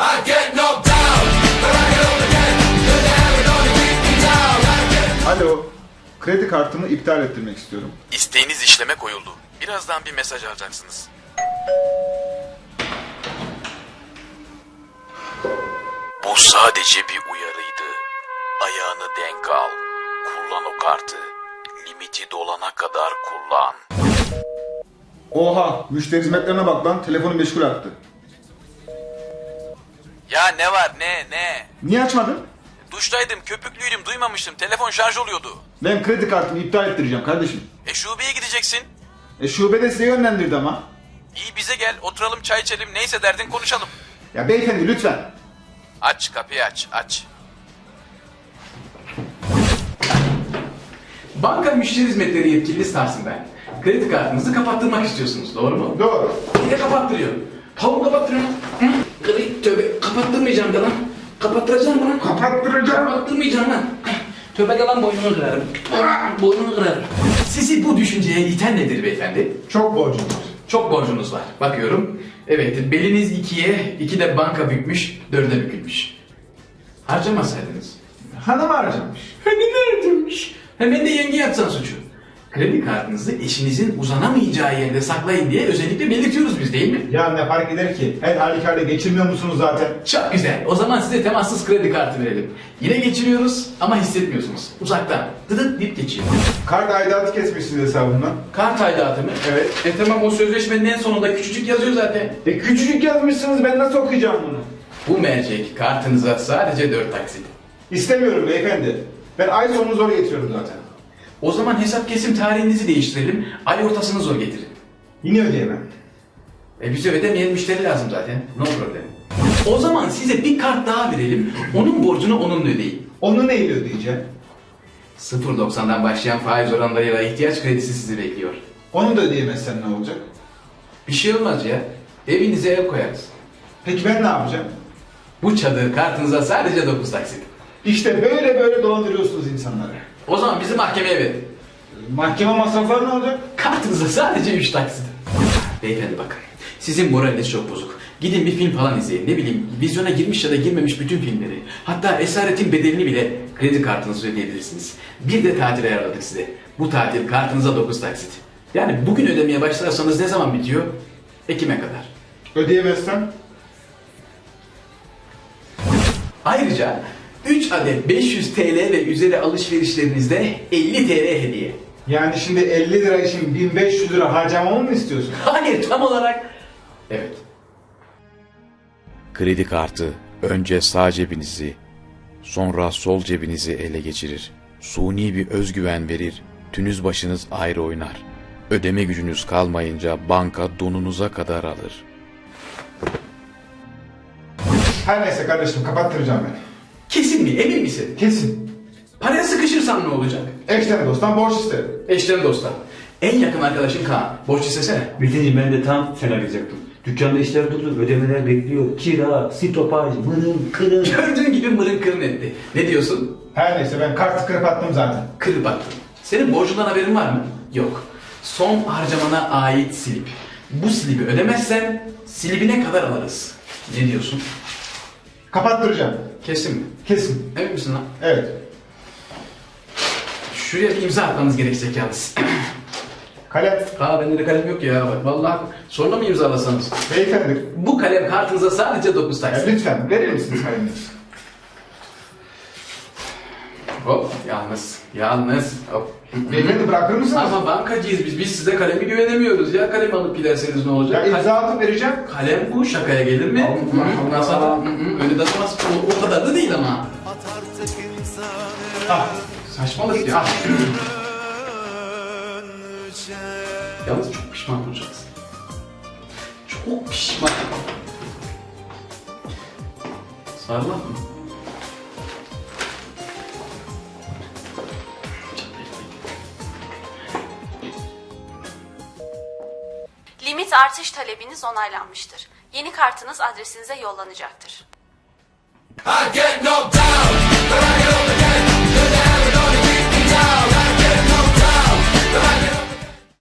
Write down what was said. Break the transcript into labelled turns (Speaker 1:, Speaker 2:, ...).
Speaker 1: Alo, kredi kartımı iptal ettirmek istiyorum.
Speaker 2: İsteğiniz işleme koyuldu. Birazdan bir mesaj alacaksınız. Bu sadece bir uyarıydı. Ayağını denk al. Kullan o kartı. Limiti dolana kadar kullan.
Speaker 1: Oha, müşteri hizmetlerine bak lan, telefonu meşgul attı.
Speaker 2: Ya ne var ne?
Speaker 1: Niye açmadın?
Speaker 2: Duştaydım, köpüklüydüm, duymamıştım. Telefon şarj oluyordu.
Speaker 1: Ben kredi kartımı iptal ettireceğim kardeşim.
Speaker 2: Şubeye gideceksin.
Speaker 1: Şube de size yönlendirdi ama.
Speaker 2: İyi bize gel, oturalım çay içelim, neyse derdin konuşalım.
Speaker 1: Ya beyefendi lütfen.
Speaker 2: Aç kapıyı aç.
Speaker 3: Banka müşteri hizmetleri yetkilisi Tahsin ben. Kredi kartınızı kapattırmak istiyorsunuz, doğru mu?
Speaker 1: Doğru.
Speaker 3: Niye kapattırıyor? Tavuğu kapattırıyor. Tövbe, kapattırmayacağım da lan. Kapattıracağım lan. Kapattırmayacağım lan. Tövbe de lan boynunu kırarım. Boynunu kırarım. Sizi bu düşünceye iten nedir beyefendi?
Speaker 1: Çok borcum var.
Speaker 3: Çok borcunuz var. Bakıyorum. Evet, beliniz 2'ye, 2 de banka bükmüş, 4'e bükülmüş. Harcamasaydınız.
Speaker 1: Hanım harcamış.
Speaker 3: Ne harcamış? Hemen de yenge yapsan suçu. Kredi kartınızı eşinizin uzanamayacağı yerde saklayın diye özellikle belirtiyoruz biz, değil mi?
Speaker 1: Ya ne fark eder ki? Her halükarda geçirmiyor musunuz zaten?
Speaker 3: Çok güzel. O zaman size temassız kredi kartı verelim. Yine geçiriyoruz ama hissetmiyorsunuz. Uzaktan. Dıdıt deyip geçiyor.
Speaker 1: Kart aidatı kesmişsiniz hesabımdan.
Speaker 3: Kart aidatı mı?
Speaker 1: Evet.
Speaker 3: Tamam, o sözleşmenin en sonunda küçücük yazıyor zaten.
Speaker 1: Küçücük yazmışsınız, ben nasıl okuyacağım bunu?
Speaker 3: Bu mercek kartınıza sadece 4 taksit.
Speaker 1: İstemiyorum beyefendi. Ben ay sonunu zor getiriyorum zaten.
Speaker 3: O zaman hesap kesim tarihinizi değiştirelim. Ay ortasını zor getirin.
Speaker 1: Yine ödeyemem.
Speaker 3: Bize ödemeyen müşteri lazım zaten. No problem. O zaman size bir kart daha verelim. Onun borcunu onunla ödeyin.
Speaker 1: Onu neyle ödeyeceğim?
Speaker 3: 0.90'dan başlayan faiz oranlarıyla ihtiyaç kredisi sizi bekliyor.
Speaker 1: Onu da ödeyemezsen ne olacak?
Speaker 3: Bir şey olmaz ya. Evinize el koyarız.
Speaker 1: Peki ben ne yapacağım?
Speaker 3: Bu çadır kartınıza sadece 9 taksit.
Speaker 1: İşte böyle dolandırıyorsunuz insanları.
Speaker 3: O zaman bizi mahkemeye verin.
Speaker 1: Mahkeme masrafları ne olacak?
Speaker 3: Kartınıza sadece 3 taksit. Beyefendi bakın. Sizin moraliniz çok bozuk. Gidin bir film falan izleyin. Ne bileyim, vizyona girmiş ya da girmemiş bütün filmleri. Hatta Esaretin Bedelini bile kredi kartınızı ödeyebilirsiniz. Bir de tatil ayarladık size. Bu tatil kartınıza 9 taksit. Yani bugün ödemeye başlarsanız ne zaman bitiyor? Ekim'e kadar.
Speaker 1: Ödeyemezsem?
Speaker 3: Ayrıca 3 adet 500 TL ve üzeri alışverişlerinizde 50 TL hediye.
Speaker 1: Yani şimdi 50 lira için 1500 lira harcamamı mı istiyorsun?
Speaker 3: Hayır, tam olarak. Evet.
Speaker 2: Kredi kartı önce sağ cebinizi, sonra sol cebinizi ele geçirir. Suni bir özgüven verir, tünüz başınız ayrı oynar. Ödeme gücünüz kalmayınca banka donunuza kadar alır.
Speaker 1: Her neyse kardeşim, kapattıracağım ben.
Speaker 3: Kesin mi? Emin misin?
Speaker 1: Kesin.
Speaker 3: Paraya sıkışırsan ne olacak?
Speaker 1: Eşten dosttan borç isterim.
Speaker 3: Eşten dostlar. En yakın arkadaşın Kaan. Borç istesene.
Speaker 4: Metin'ciğim ben de tam sen arayacaktım. Dükkanda işler durdu, ödemeler bekliyor. Kira, stopaj, mırın, kırın.
Speaker 3: Gördüğün gibi mırın kırın etti. Ne diyorsun?
Speaker 1: Her neyse ben kartı kırıp attım zaten.
Speaker 3: Kırıp attın. Senin borcundan haberin var mı? Yok. Son harcamana ait silip. Bu silibi ödemezsen silibine kadar alırız. Ne diyorsun?
Speaker 1: Kapattıracağım.
Speaker 3: Kesin mi?
Speaker 1: Kesin.
Speaker 3: Emin misin lan?
Speaker 1: Evet.
Speaker 3: Şuraya bir imza atmanız gerekecek yalnız.
Speaker 1: Kalem.
Speaker 3: Bende de kalem yok ya. Bak, vallahi sonra mı imzalasanız?
Speaker 1: Beyefendi.
Speaker 3: Bu kalem kartınıza sadece 9
Speaker 1: Ya
Speaker 3: taksit.
Speaker 1: lütfen verir misiniz kaleminizi?
Speaker 3: Hop, yalnız. Hop.
Speaker 1: Beyefendi bırakır mısınız?
Speaker 3: Ama bankacıyız biz. Biz size kalemi güvenemiyoruz ya. Kalem alıp giderseniz ne olacak?
Speaker 1: Ya imza atıp vereceğim.
Speaker 3: Kalem bu, şakaya gelir mi? Ondan sonra öyle de atamaz. O kadar da değil ama.
Speaker 1: Ah.
Speaker 3: Saçmalık ya. Yalnız çok pişman olacaksın. Çok pişman. Sarılan mı?
Speaker 5: Limit artış talebiniz onaylanmıştır. Yeni kartınız adresinize yollanacaktır.
Speaker 6: I get knocked down.